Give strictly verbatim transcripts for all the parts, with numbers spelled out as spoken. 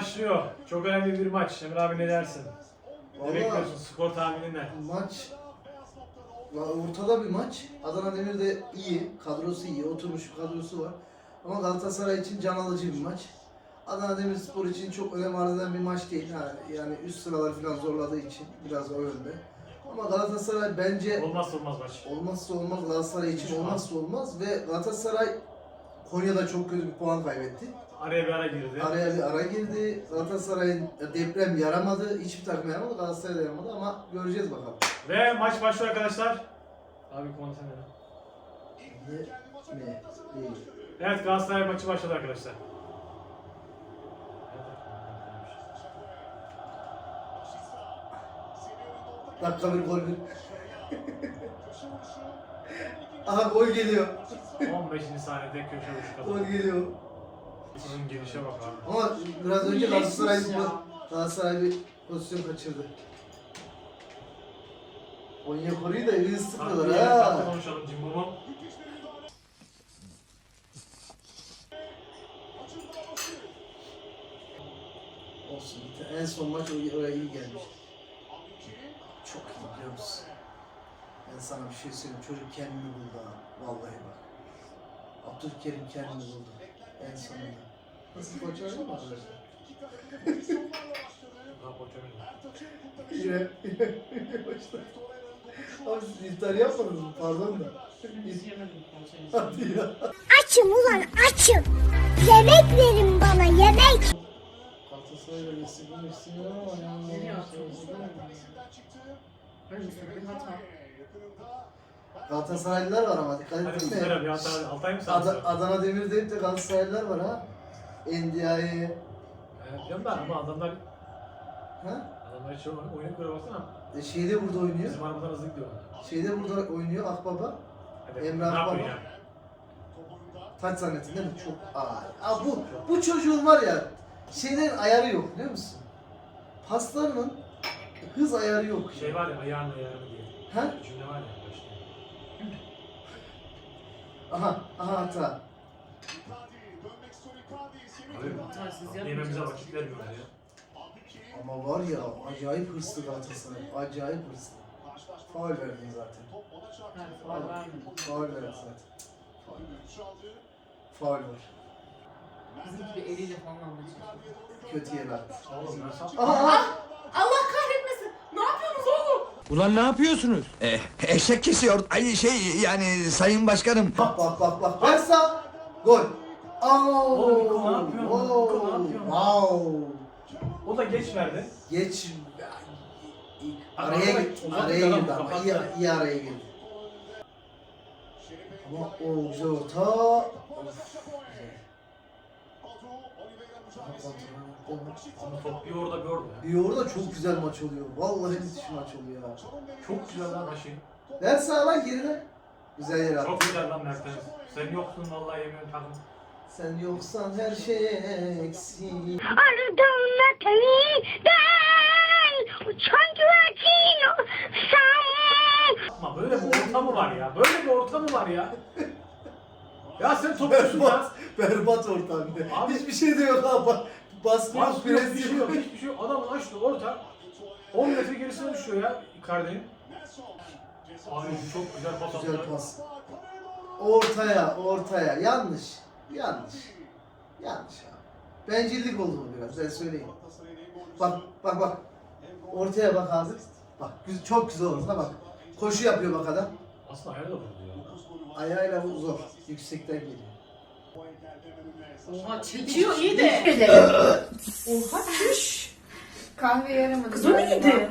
başlıyor. Çok önemli bir maç. Emre abi ne dersin? Ne Vallahi bekliyorsun? Skor tahminin ne? maç ya ortada bir maç. Adana Demir de iyi, kadrosu iyi, oturmuş bir kadrosu var. Ama Galatasaray için can alıcı bir maç. Adana Demirspor için çok önem arz eden bir maç değil. Ha, yani üst sıralar falan zorladığı için biraz o yönde. Ama Galatasaray bence Olmazsa olmaz maç. olmazsa olmaz, Galatasaray için olmazsa olmaz ve Galatasaray Konya'da çok kötü bir puan kaybetti. Araya bir ara girdi. Araya bir ara girdi. Galatasaray'ın deprem yaramadı. Hiçbir takım yaramadı. Galatasaray da yaramadı ama göreceğiz bakalım. Ve maç başlıyor arkadaşlar. Abi konuşsana. Ne? Ne? Değil. Evet, Galatasaray maçı başladı arkadaşlar. Dakika bir gol bir. Aha gol geliyor. on beşinci saniyede köşe vuruşu Gol kadar. geliyor. Bunun girişe bak abi. Ama biraz önce Galatasaray, Neymiş ya? Galatasaray bir pozisyon kaçırdı. Onyekuru'yu da iyi sıkıyorlar Tatlı ha. konuşalım Cimbom'u. Olsun. En son maç oraya iyi gelmiş. Çok iyi biliyor musun? Ben sana bir şey söyleyeyim. Çocuk kendini buldu ha. Vallahi bak. Abdülkerim kendini buldu. En sonunda. Nasıl koç öyle mi arkadaşlar? Daha koçamıyorum. Yine. Yine başladı. Abi siz iftar yapmadınız mı? Pardon da. Biz yemedik konserini. Hadi ya. Açım ulan açım. Yemek verin bana yemek. Galatasaray'la geçsin geçsin ama yani. Nereye atıyoruz değil mi? Önümüzde bir hata. Galatasaraylılar var ama dikkat Hadi ettin Mustafa mi? abi Altay, Altay mı Ad- sanıyorsun? Adana Demir deyip de Galatasaraylılar var ha. Endia'yı. Evet canım da ama adamlar Ha? adamlar hiç oyunu oyunu göre baksana. E, şeyde burada oynuyor. Bizim arabadan hızlı gidiyor. Şeyde burada oynuyor Akbaba. Hadi, Emre ne Akbaba. yapıyorsun ya? Taç zannettin değil mi? Çok ay. Aa, bu, bu çocuğun var ya şeylerin ayarı yok biliyor musun? Paslarının hız ayarı yok. Şey var ya, ayağın ayağını diye. Ha? Cümle var ya başta. Aha, aha hata. Abi, Hatasız yememize yapmayacağız. vakit vermiyorlar ya. Ama var ya acayip hırslı Galatasaray. Acayip hırslı. Faul verdin zaten. Hayır, faul vermedim. Faul verdin zaten. Faul var. Bizimki bir eliyle falan anlaşıyor. Kötü yer attı. Oğlum ben sap. Aha, aha. Allah kahretmesin. Ne yapıyorsunuz oğlum? Ulan ne yapıyorsunuz? Eh, eşek kesiyor. Ay şey yani sayın başkanım. Bak bak bak bak. Versa. Gol. Aa. Oğlum, Niko ne yapıyorsun? Oo, Niko ne yapıyorsun? Wow. O da geç verdi. Geç. Araya Araya git, git. uzak Araya adam, girdi ama iyi, kapattı. iyi araya girdi. Ama o güzel orta. Of. Ama top bir orada bir orada. Bir orada çok güzel maç oluyor. Vallahi müthiş maç oluyor ya. Çok güzel lan başı. Ver sağa lan gerine. Güzel yer attı. Çok güzel lan Mertens. Sen yoksun vallahi yemiyorum takım. Sen yoksan her şey eksik. Ardımda teyden uçan güvercin sen. Ama böyle bir orta mı var ya? Böyle bir orta mı var ya? Ya sen topçusun ya. Berbat, berbat orta bir de. Abi- Hiçbir şey de yok ha. Bak, baskı yok, Baskı yok, bir pres şey yok, yok. hiçbir şey yok. Adamın açtı orta. on metre gerisine düşüyor ya Icardi'nin. Abi çok güzel pas attı. Güzel pas. Ortaya, ortaya. Yanlış. Yanlış. Yanlış abi. Bencillik oldu bu biraz, ben söyleyeyim. Bak, bak, bak. Ortaya bak abi. Bak, güz- çok güzel orta bak. Koşu yapıyor bak adam. Aslında ayağı da vurdu ya. Ayağıyla bu zor. Yüksekten geliyor. Oha çekiyor iyi de. Oha çüş. Kahve yaramadı. Kız o neydi? Çok önemli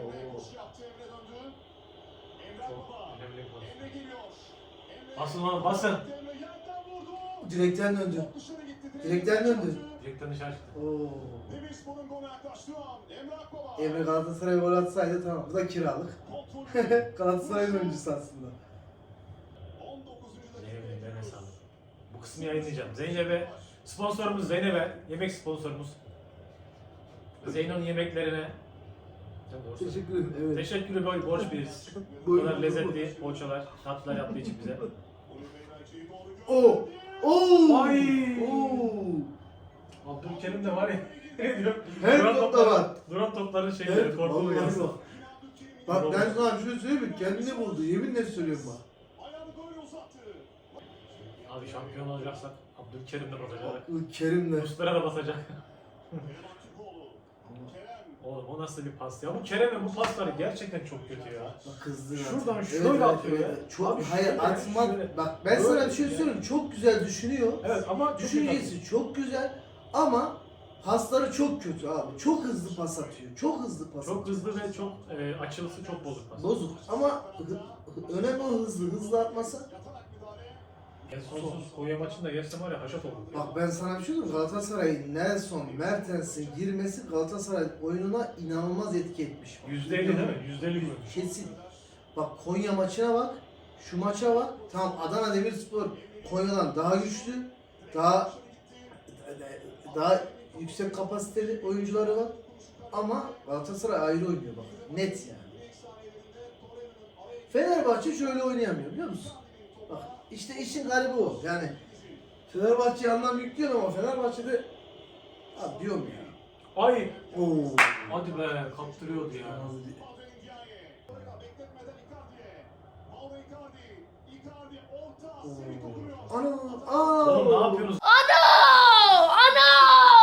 bir pas. Basın lan basın. Direkten döndü. Direkten döndü. Direkten dışarı çıktı. Oo. Emre Galatasaray gol atsaydı tamam. Bu da kiralık. Galatasaray'ın oyuncusu aslında. Zeynep'in eline sağlık. Bu kısmı yayınlayacağım. Zeynep'e, sponsorumuz Zeynep'e, yemek sponsorumuz. Zeyno'nun yemeklerine Teşekkür ederim. Evet. teşekkürü boy borç biliriz. Bu Buyurun, kadar buyurun. lezzetli poğaçalar, tatlılar yaptığı için bize. Oo! Oo! Ay! Oo! Abdülkerim de var ya. Ne diyor? Her Duran topta topları- var. Duran topların şeyleri, Evet, korkulu vallahi yarısı. bak. Bak ben sana bir şey söyleyeyim mi? Kendini buldu. Yeminle söylüyorum bak. Abi şampiyon olacaksak Abdülkerim de basacak. Kerim'le. Muslera da basacak. Oğlum o nasıl bir pas ya? Bu Kerem'in bu pasları gerçekten çok kötü ya. Bak kızdı. Şuradan zaten. şöyle atıyor ya. Çok Abi hayır şöyle, atma. şöyle. Bak ben Böyle sana bir şey ya. söyleyeyim. Çok güzel düşünüyor. Evet ama Düşüncesi çok güzel ama pasları çok kötü abi. Çok hızlı pas atıyor. Çok hızlı pas çok atıyor. hızlı ve çok e, açılısı çok bozuk pas. Bozuk ama hı- hı- önemli o hızlı. Hızlı atmasa. En sonsuz Konya maçında geçsem var ya haşat oldu. Bak ben sana bir şey söyleyeyim. Galatasaray'ın Nelson, Mertens'in girmesi Galatasaray oyununa inanılmaz etki etmiş. yüzde elli değil mi? yüzde elli mi? Kesin. Bak Konya maçına bak. Şu maça bak. Tamam Adana Demirspor Konya'dan daha güçlü. Daha daha yüksek kapasiteli oyuncuları var. Ama Galatasaray ayrı oynuyor bak. Net yani. Fenerbahçe şöyle oynayamıyor biliyor musun? Bak işte işin garibi o. Yani Fenerbahçe'ye anlam yüklüyor ama Fenerbahçe'de abi diyorum ya. Ay! Oo. Hadi be kaptırıyordu ya. Ana, aa. Oğlum ne yapıyorsunuz? Ano! Ano!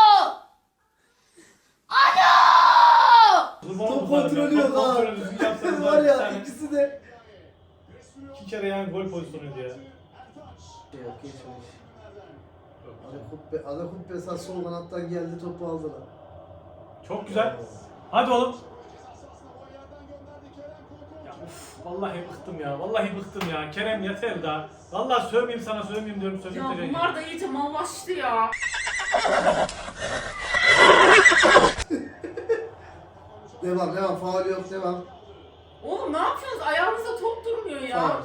Ano! Kurban Top olsun sana kontrolü ya. yok Top ha. kontrolü düzgün yapsanız Var var ya ya. ikisi de. İki kere yani gol pozisyonuydu ya. Şey yok geçmemiş. Ada Kuppe, Ada Kuppe sağ sol kanattan geldi topu aldılar. Çok güzel. Hadi oğlum. Ya uf, vallahi bıktım ya. Vallahi bıktım ya. Kerem yeter daha. Vallahi sövmeyeyim sana sövmeyeyim diyorum Ya sövmeyeyim. bunlar da iyice mallaştı ya. Devam devam faul yok devam. Oğlum ne yapıyorsunuz? Ayağınızda top durmuyor ya. Faul.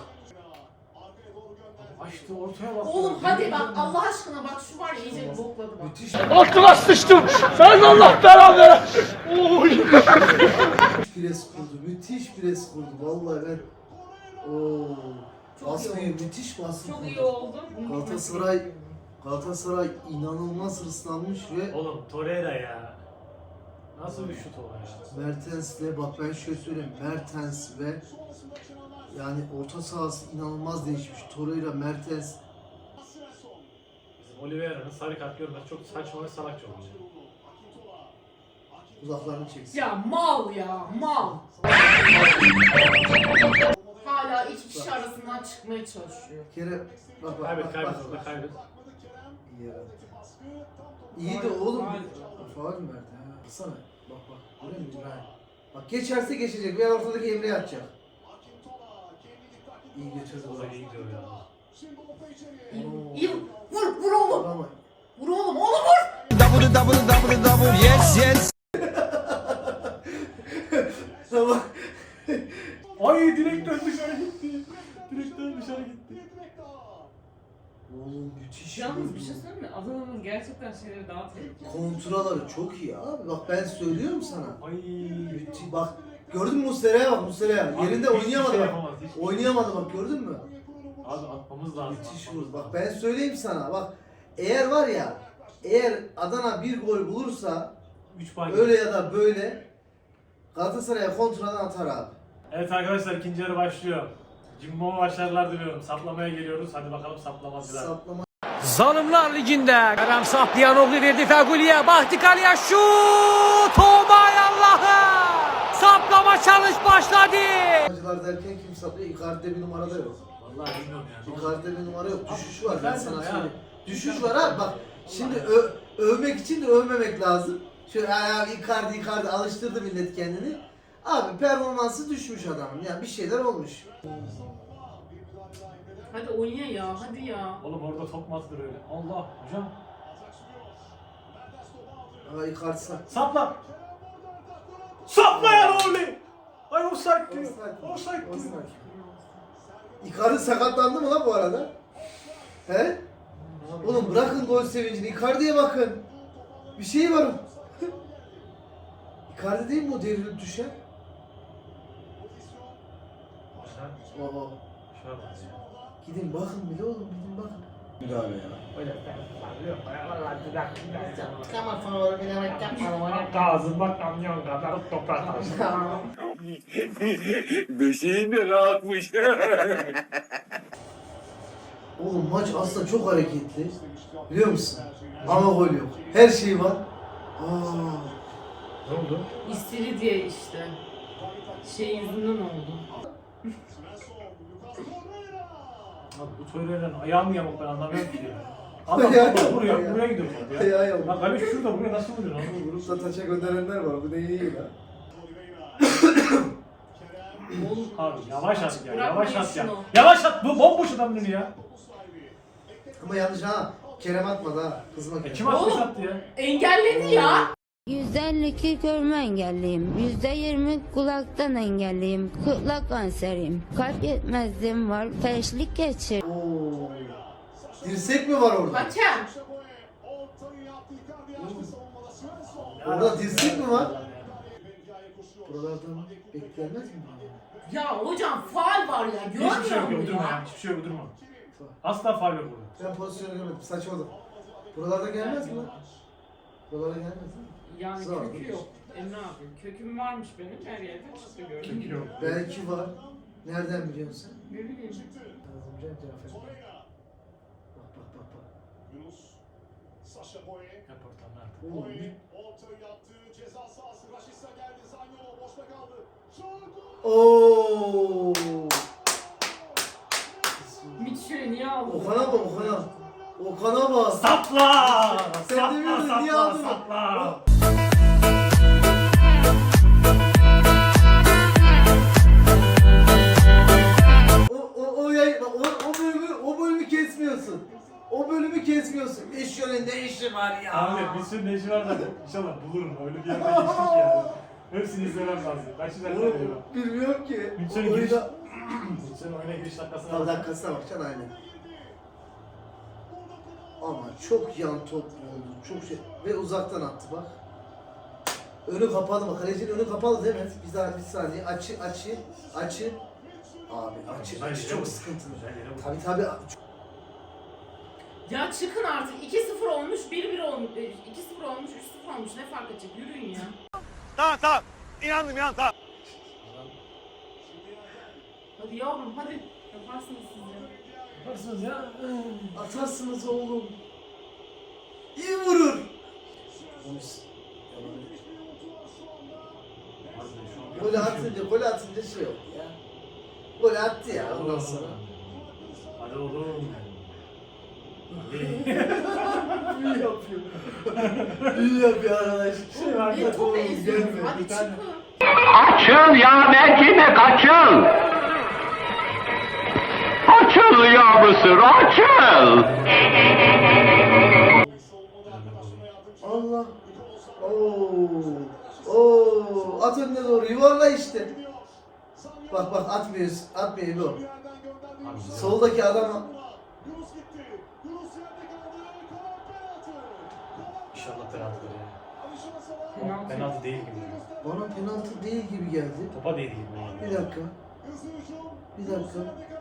Açtı ortaya bak. Oğlum hadi bak Allah aşkına bak şu var ya iyice bokladı bak. Müthiş. Altıma sıçtım. Sen Allah belanı ver. Oy. Pres kurdu. Müthiş pres kurdu. Vallahi ben ooo Çok iyi baskıyı oldu. müthiş baskı Çok kurdu. iyi oldu. Galatasaray Galatasaray inanılmaz hırslanmış ve Oğlum Torreira ya. Nasıl bir şut o ya? Mertens'le bak ben şöyle söyleyeyim Mertens ve yani orta sahası inanılmaz değişmiş. Torreira, Mertens Bizim Oliveira'nın sarı kart görmesi çok saçma ve salakça olmuş. uzaklarını çeksin. Ya mal ya mal. Hala iki kişi arasından çıkmaya çalışıyor. Bir kere bak bak Kaybet bak kaybet bak. orada kaybet. İyi ya. İyi de oğlum. Faul mü verdi ha? Baksana. Bak bak. Görüyor musun İbrahim? Bak geçerse geçecek veya ortadaki Emre'ye atacak. İyi götürdü O bu. da iyi gidiyor ya. İyi, iyi. Vur vur oğlum. Ama Vur oğlum oğlum vur. Double double double double yes yes. tamam. Ay direkten dışarı gitti. Direkten dışarı gitti. Oğlum müthiş. Yalnız bir bir şey söyleyeyim mi? Adana'nın gerçekten şeyleri daha tehlikeli. Kontraları çok iyi abi. Bak ben söylüyorum sana. Ay. Müthiş. Bak gördün mü Muslera'ya bak Muslera'ya. Abi Yerinde hiçbir oynayamadı şey bak. yapamaz, hiçbir şey. Oynayamadı bak gördün mü? Abi atmamız lazım. Müthiş atmamız vurdu. Bak lazım. ben söyleyeyim sana bak. Eğer var ya eğer Adana bir gol bulursa üç puan öyle gidiyor. ya da böyle Galatasaray'a kontradan atar abi. Evet arkadaşlar ikinci yarı başlıyor. Cimbom'a başarılar diliyorum. Saplamaya geliyoruz. Hadi bakalım saplamacılar. Saplama. Zalimler Ligi'nde Kerem Sapliyanoglu verdi Feguli'ye. Bahtikali'ye şut. Omay Allah'ım. Saplama çalış başladı. Acılar derken kim saplıyor? Icardi'de bir numarada yok. Vallahi bilmiyorum yani. Icardi'de bir numara yok. Düşüş var ben Icardi sana ya. söyleyeyim. Düşüş var abi bak. Şimdi ö- övmek için de övmemek lazım. Şöyle ya Icardi Icardi alıştırdı millet kendini. Abi performansı düşmüş adamın. Ya bir şeyler olmuş. Hadi oyna ya hadi ya. Oğlum orada top mu atılır öyle? Allah hocam. Ama Icardi sa- Sapla. Sapla ya Orli. Ay offside diyor. Offside. Offside diyor. Offside. Icardi sakatlandı mı lan bu arada? He? Oğlum bırakın gol sevincini. Icardi'ye bakın. Bir şey var. Icardi değil mi o devrilip düşen? Sen Oo. şuna bak ya. Gidin bakın bile oğlum gidin bakın. Müdahale ya. Öyle ben yok. Vallahi bir dakika. Çıkamaz sonra bilerek yapmadım. Ağzıma kamyon kadar toprak taşı. Beşiğin de rahatmış. Oğlum maç aslında çok hareketli. Biliyor musun? Ama gol yok. Her şey var. Aa. Ne oldu? İstiridye işte. Şey yüzünden oldu. Abi bu Torreira'nın ayağı mı yamuk ben anlamıyorum ki ya. Adam Ayağı topa yamuk vuruyor, ya. buraya gidiyor top ya. Ayağı yamuk. Bak abi şurada buraya nasıl vuruyor lan? Grupta taça gönderenler var. Bu da iyi ya. Oğlum Abi yavaş at ya, Bırakmayın yavaş at ya. şunu. Yavaş at, bu bomboş adam önü ya. Ama yanlış ha. Kerem atmadı ha. Kızma E Kerem. kim atmış Oğlum. attı ya? engelledi ya. yüzde elli iki görme engelliyim. yüzde yirmi kulaktan engelliyim. Kulak kanseriyim. Kalp yetmezliğim var. Felçlik geçir. Oo. Dirsek mi var orada? Hakem. Orada dirsek mi var? Buralardan beklenmez mi? Ya hocam faul var ya. Hiçbir şey yok, Görmüyor yok durma musun ya. ya? Hiçbir şey yok, durma. Asla faul yok burada. Ben pozisyonu görmedim. Saçmalık. Buralarda gelmez mi lan? Buralara gelmez mi? Yani Zor. kökü yok. Emre abi köküm varmış benim her yerde çıktı gördün Çünkü mü? yok. Belki var. Nereden biliyorsun sen? Ne bileyim. Kazımcan Cafer. Bak bak bak bak. Yap ortamda artık. Oğlum bir... Oo. Mitchell'i niye aldın? Okan'a bak Okan'a. Okan'a bak. Sapla! Sen sapla, demiyordun, sapla, niye aldın? sapla. O o o yay o, o bölümü o bölümü kesmiyorsun. O bölümü kesmiyorsun. Eşyonun ne işi var ya? Abi bir sürü neşi var da inşallah bulurum. Öyle bir yerde geçtik ya. Hepsini izlemem lazım. Ben şimdi Oğlum, izlemiyorum. bilmiyorum ki. Bütçenin O giriş, oyunda... bütçenin oyuna giriş dakikasına Tam bak. dakikasına bakacaksın aynen. Ama çok yan top oldu. Çok şey. Ve uzaktan attı bak. Önü kapalı bak. Kalecinin önü kapalı değil mi? Bir daha bir saniye. Açı açı açı. Abi açı Güzel açı yere çok vurmuş. sıkıntılı. Güzel yere vurmuş. Tabii tabii. Ya çıkın artık. iki sıfır olmuş, bir bir olmuş, iki sıfır olmuş, üç sıfır olmuş. Ne fark edecek? Yürüyün ya. Tamam tamam. İnandım inandım tamam. Hadi yavrum hadi. Yaparsınız siz ya. Yaparsınız ya. Atarsınız oğlum. İyi vurur. Golü atınca, golü atınca şey yok ya. Golü attı ya ondan sonra. Hadi oğlum. İyi yapıyor. İyi yapıyor arkadaş. Şey var Ne top Gelme, eziyorsun? Hadi bir tane. çıkın. Açıl ya Merkime kaçıl. Açıl ya Mısır açıl. Allah. Oo. Oo. At önüne doğru yuvarla işte. Bak bak atmıyoruz. Atmıyor bu. Soldaki adam İnşallah penaltıdır ya. Penaltı. Penaltı değil gibi. bana penaltı değil gibi geldi. Topa değil gibi. Bir dakika. Bir dakika.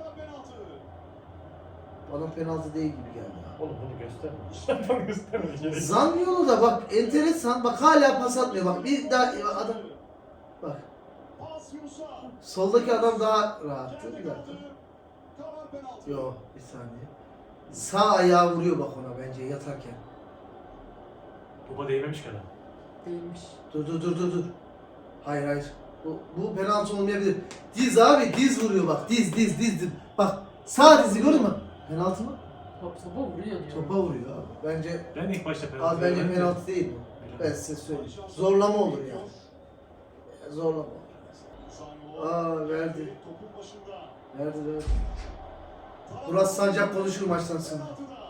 Bana penaltı değil gibi geldi. Oğlum bunu gösterme. Bunu gösterme. Gerek yok. Zanyolu da bak enteresan. Bak hala pas atmıyor. Bak bir daha adam. Bak. Soldaki adam daha rahattı. Bir dakika. Yok bir saniye. Sağ ayağı vuruyor bak ona bence yatarken. Topa değmemiş kadar. Değilmiş. Dur dur dur dur dur. Hayır hayır. Bu, bu penaltı olmayabilir. Diz abi diz vuruyor bak. Diz diz diz. diz. Bak sağ dizi gördün mü? Penaltı mı? Top topa vuruyor diyor. Topa vuruyor abi. Bence Ben ilk başta penaltı abi bence verdim. penaltı değil bu. Ben size söyleyeyim. Zorlama olur yani. Zorlama olur. Aa verdi. Verdi verdi. Murat Sancak konuşur maçtan sonra.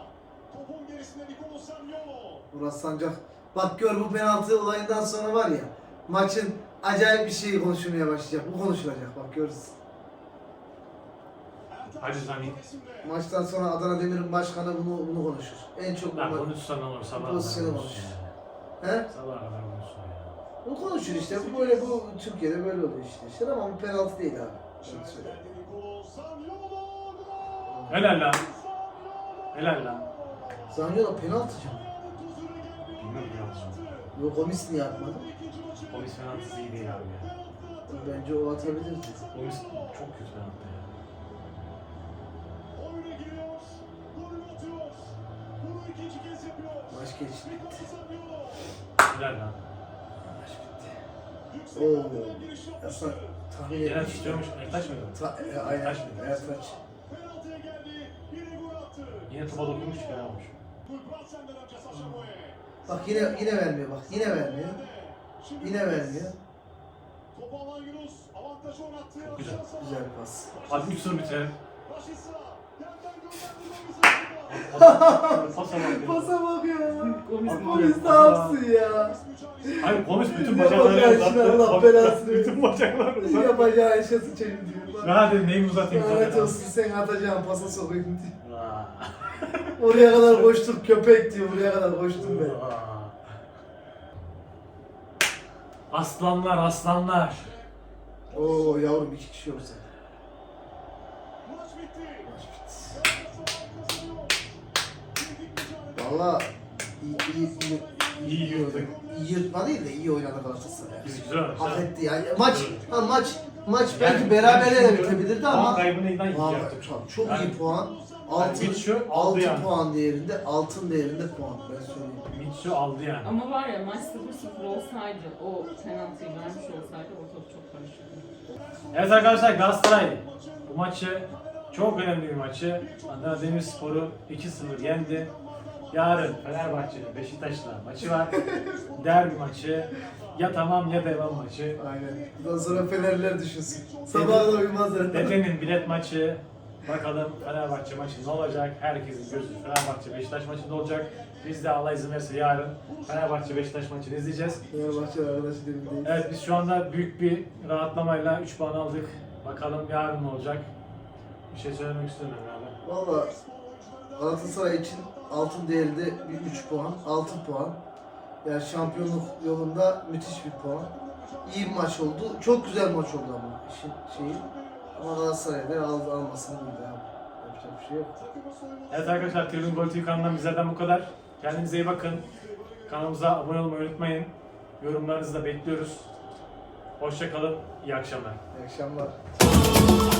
Murat Sancak. Bak gör bu penaltı olayından sonra var ya. Maçın acayip bir şeyi konuşulmaya başlayacak. Bu konuşulacak bak görürsün. Hadi Zani. Maçtan sonra Adana Demir'in başkanı bunu bunu konuşur. En çok Lan bunu, konuşsan ne olur sabah pozisyonu kadar konuşur. konuşsun He? ya. Sabah kadar konuşsun ya. Bu konuşur işte. Bu böyle bu Türkiye'de böyle oluyor işte. işte ama bu penaltı değil abi. Ben söyleyeyim. Helal lan. Helal lan. Zaniolo penaltı canım. Bilmiyorum penaltı. Yok Gomis niye atmadı? Gomis penaltısı iyi değil abi ya. Bence o atabilirdi. Gomis çok kötü penaltı ya. Maç geçti. Helal lan. Oo. Aslında tahmin Genel etmiştim. tutuyormuş. Ertaş mıydı? Ta e, aynen. Ertaş mıydı? Ertaç. Yine topa dokunmuş ki olmuş. Bak yine yine vermiyor bak. Yine vermiyor. Yine vermiyor. Çok güzel. Güzel pas. Hadi üç sıfır bitirelim. Pasa bak ya. Pasa bak ya. Gomis Abi, Gomis ne pasa. yapsın ya? Hayır Gomis bütün Ya bacaklarını bak ya, şimdi uzattı. Allah Bak, belasını bütün bacaklarını uzattı. Yapacağı işe sıçayım diyor. Ben hadi neyimi uzatayım Lanet zaten. olsun sen atacağın pasa sokayım diyor. Aa. Oraya kadar koştuk köpek diyor. Buraya kadar koştum ben. Aa. Aslanlar aslanlar. Oo yavrum iki kişi olsa. Maç bitti. Valla iyi iyi iyi. İyi yürüdük. İyi yırtma değil de iyi oynadı Galatasaray. Biz güzel oynadık. Hak etti yani. Maç, ha, maç, maç Yani belki ben berabere de düşünüyorum, bitebilirdi puan ama kaybını neyden Vallahi yaptık? çok, çok Yani- iyi puan. Yani Altın, Mitchell aldı altın yani. puan değerinde, altın değerinde puan ben söyleyeyim. Mitsu aldı yani. Ama var ya maç sıfır sıfır olsaydı, o penaltıyı vermiş olsaydı ortalık çok karışırdı. Evet arkadaşlar Galatasaray bu maçı çok önemli bir maçı. Adana Demirspor'u iki sıfır yendi. Yarın Fenerbahçe'nin Beşiktaş'la maçı var. Derbi maçı. Ya tamam ya devam maçı. Aynen. Bundan sonra Fenerler düşünsün. Sabaha da uyumazlar. Dedenin bilet maçı. Bakalım Fenerbahçe maçı ne olacak? Herkesin gözü Fenerbahçe Beşiktaş maçında olacak. Biz de Allah izin verirse yarın Fenerbahçe Beşiktaş maçını izleyeceğiz. Fenerbahçe arkadaşı derindeyiz. Evet biz şu anda büyük bir rahatlamayla üç puan aldık. Bakalım yarın ne olacak? Bir şey söylemek istemiyorum abi. Valla Galatasaray için altın değerinde bir üç puan, altı puan. Yani şampiyonluk yolunda müthiş bir puan. İyi bir maç oldu. Çok güzel maç oldu ama işin şeyi. Ama Galatasaray'da al, almasını bildi abi. Yapacak bir şey yok. Evet arkadaşlar Tribün Gol T V kanalından bizlerden bu kadar. Kendinize iyi bakın. Kanalımıza abone olmayı unutmayın. Yorumlarınızı da bekliyoruz. Hoşça kalın. İyi akşamlar. İyi akşamlar.